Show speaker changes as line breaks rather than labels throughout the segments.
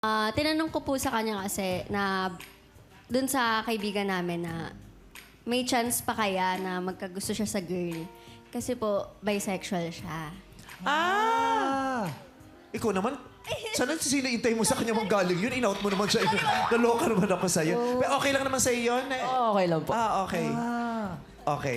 Tinanong ko po sa kanya kasi na dun sa kaibigan namin na may chance pa kaya na magkagusto siya sa girl. Kasi po, bisexual siya.
Ikaw naman, sana sinintay mo sa kanya mong galing yun. In-out mo naman siya. Naloka naman ako sa'yo. Pero okay lang naman sa'yo yun?
Oo, okay lang po.
Okay. Okay.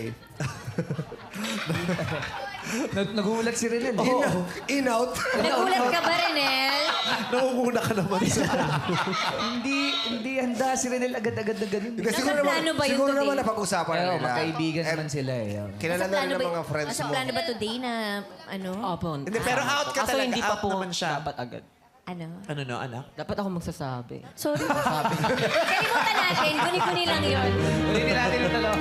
Nagulat si Renel.
In-out.
Nagulat ka ba, Renel?
Nangunguna ka naman sa...
Hindi handa si Renel agad-agad na ganun.
Nasa plano ba yun
siguro
today?
naman napag-usapan
Pero
nila.
magkaibigan naman sila eh.
Kilala na rin ng mga friends
Nasa
mo.
plano ba today na ano?
Opo.
Hindi, pero out ka
Kaso
talaga.
hindi pa
Out
po
naman siya.
dapat agad.
Ano?
Ano no, anak?
Dapat ako magsasabi.
Sorry.
Kalimutan natin. Guni-guni lang yun.
Ulitin natin yung dalawa.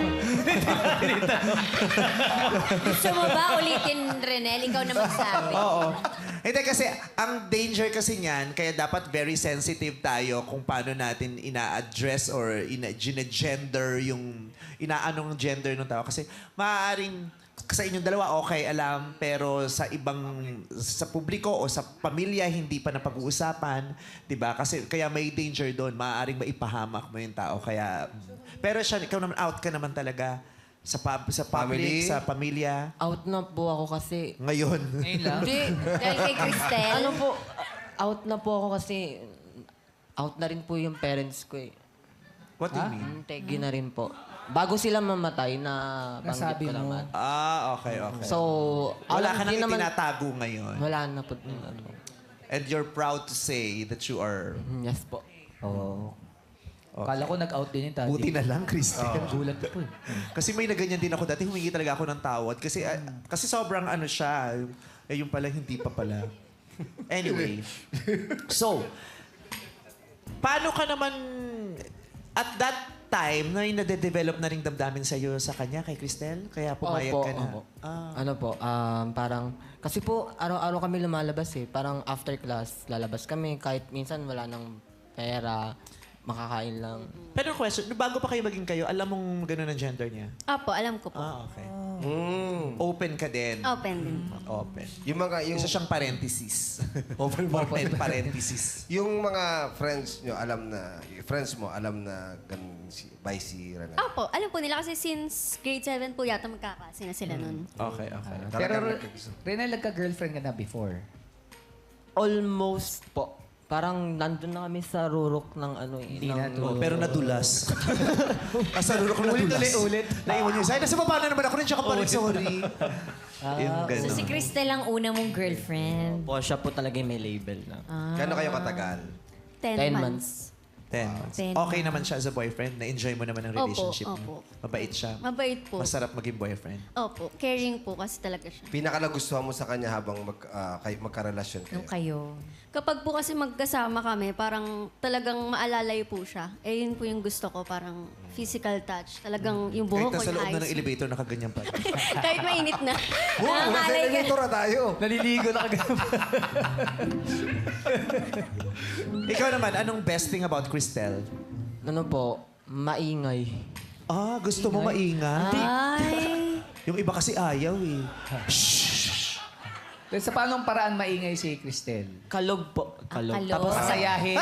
Gusto mo ba ulitin, Renel? Ikaw na magsabi.
Oo. Hindi kasi, ang danger kasi niyan, kaya dapat very sensitive tayo kung paano natin ina-address or gender yung, inaanong gender ng tao. Kasi maaaring sa inyong dalawa, okay, alam, pero sa ibang, sa publiko o sa pamilya, hindi pa napag-uusapan, di ba? Kasi kaya may danger doon, maaaring maipahamak mo yung tao. Kaya, pero siya, ikaw naman, out ka naman talaga sa sa public,
Family?
sa pamilya.
Out na po ako kasi...
Ngayon.
Ngayon lang? Hindi.
Dahil kay Cristel.
Ano po, out na po ako kasi... Out na rin po yung parents ko eh.
What do you mean?
Tegi na rin po. Bago sila mamatay na banggit ko naman.
Okay, okay.
So,
Wala ka nang
hindi naman-
itinatago ngayon.
Wala na po. Ano.
And you're proud to say that you are...
Yes po.
Oo. Kala ko nag-out din yung tati.
Buti na lang, Christian.
Gulat po eh.
Kasi may naganyan din ako dati. Humingi talaga ako ng tawad. Kasi kasi sobrang ano siya. Yung pala, hindi pa pala. Anyway. So, paano ka naman... At that time, na yung nade-develop na rin damdamin sa'yo sa kanya, kay Cristel? Kaya pumayag ka na.
Opo. Ano po, parang... Kasi po, araw-araw kami lumalabas eh. Parang after class, lalabas kami. Kahit minsan wala nang pera, makakain lang.
Pero question, bago pa kayo maging kayo, alam mong gano'n ang gender niya?
Opo, alam ko po.
Okay. Open ka din.
Open din po.
Open.
Yung mga, yung,
Isa siyang parenthesis.
Open
parenthesis.
yung mga friends nyo, alam na, yung friends mo, alam na ganun by si Renel.
Opo, alam po nila kasi since grade 7 po yata magkaklase na sila nun.
Okay, okay.
Pero
Talagang nagkagusto.
Renel, nagka-girlfriend ka na before?
Almost po. Parang nandun na kami sa rurok ng ano eh.
Hindi na to.
Pero nadulas. Asa lulok ko nadulas.
Ulit.
Naiwan niyo. Sa'yo, nasa baba na naman ako rin siya ka pa rin, sorry. Yung
So
gano'n.
si Cristel ang una mong girlfriend.
Po, siya po talaga yung may label na.
Gano'n kayo katagal?
10
10
months.
10 months.
10
Okay naman siya as a boyfriend. Na-enjoy mo naman ang relationship
Opo,
mo. Mabait siya.
Mabait po.
Masarap maging boyfriend.
Opo, caring po kasi talaga siya.
Pinakalagustuhan mo sa kanya habang magkarelasyon kayo?
Nung kayo.
Kapag po kasi magkasama kami, parang talagang maalalay po siya. Eh, yun po yung gusto ko, parang physical touch. Talagang yung
Kahit
buhok ko
nasa loob na ng
inaayos.
elevator, nakaganyan pa.
Kahit mainit na.
Nasa
Nangangalay ka.
elevator na tayo.
Naliligo na kagad.
Ikaw naman, anong best thing about Cristel?
Ano po, maingay.
Gusto mo maingay?
Ay.
Yung iba kasi ayaw eh.
Sa paanong paraan maingay si Cristel?
Kalog po. Kalog.
kalog.
Tapos
Masayahin.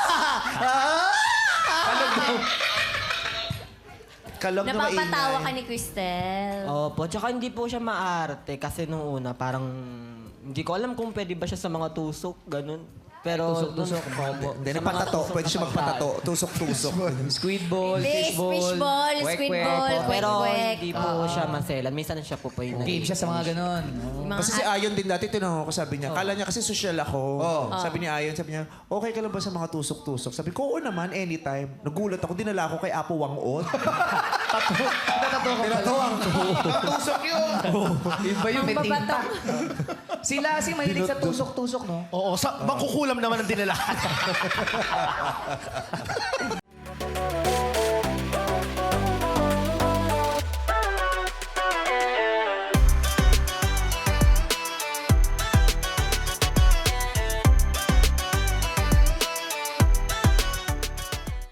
Kalog na
Napapatawa ka
maingay.
ni Cristel.
Opo, tsaka hindi po siya maarte kasi nung una parang hindi ko alam kung pwede ba siya sa mga tusok, ganun. Pero
Tusok-tusok.
Opo.
Hindi,
Sa mga
napatato.
tusok
Pwede siya
na
magpatato. Tusok-tusok.
Squid ball,
Fish
fish
ball,
kwek-kwek.
squid ball,
Opo, pero
kwek-kwek.
hindi po siya maselan. Minsan siya po pa yung
Game siya sa mga ganon.
Mga
Kasi si Ayon din dati, tinanong ko, sabi niya, kala niya kasi social ako. Sabi ni Ayon, sabi niya, okay ka lang ba sa mga tusok-tusok? Sabi ko, oo naman, anytime. Nagulat ako, dinala ako kay Apo Wangon.
Pinatuwang ko. Tusok yun!
Iba yung may tinta.
babato.
Sila si mahilig sa tusok-tusok, no?
Oo, mangkukulam naman ang dinala.